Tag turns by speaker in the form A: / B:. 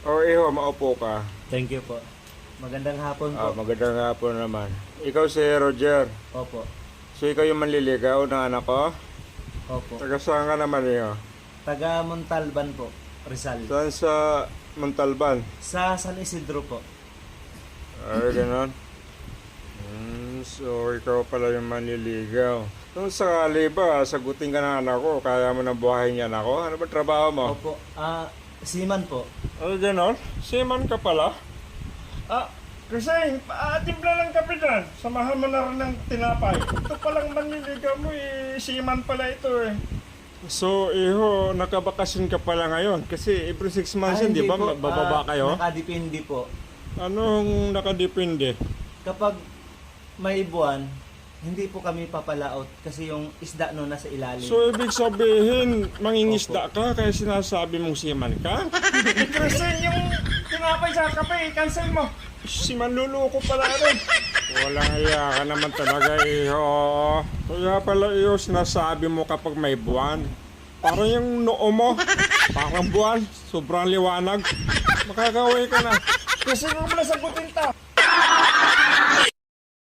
A: O iho, maupo ka.
B: Thank you po. Magandang hapon po.
A: Magandang hapon naman. Ikaw si Roger.
B: Opo.
A: So ikaw yung manliligaw ng anak ko?
B: Opo.
A: Taga saan ka naman iho?
B: Taga Montalban po, Rizal.
A: Saan sa Montalban?
B: Sa San Isidro po.
A: Ay, ganon. So ikaw pala yung manliligaw. Kung sakali ba, sagutin ka ng anak ko, kaya mo nang buhayin yan ako? Ano ba trabaho mo?
B: Opo. Seaman po.
A: Ay, ganon? Seaman ka pala? Kasi timpla lang kape dyan. Samahan mo na rin ng tinapay. Ito palang manliligaw mo seaman pala ito So, iho, nakabakasin ka pala ngayon. Kasi every 6 months yun, di ba? Bababa kayo?
B: Nakadepende po.
A: Anong nakadepende?
B: Kapag may buwan, hindi po kami papalaot kasi yung isda no nasa ilalim.
A: So, ibig sabihin, mangingisda ka kaya sinasabi mong seaman ka? Kasi yung tinapay sa kape, cancel mo. Si manluloko pala rin. Walang iya ka naman talaga, iho. Kaya pala, iho, sinasabi mo kapag may buwan. Parang yung noo mo. Parang buwan. Sobrang liwanag. Makakaway ka na. Kasi mo na sagutin ta.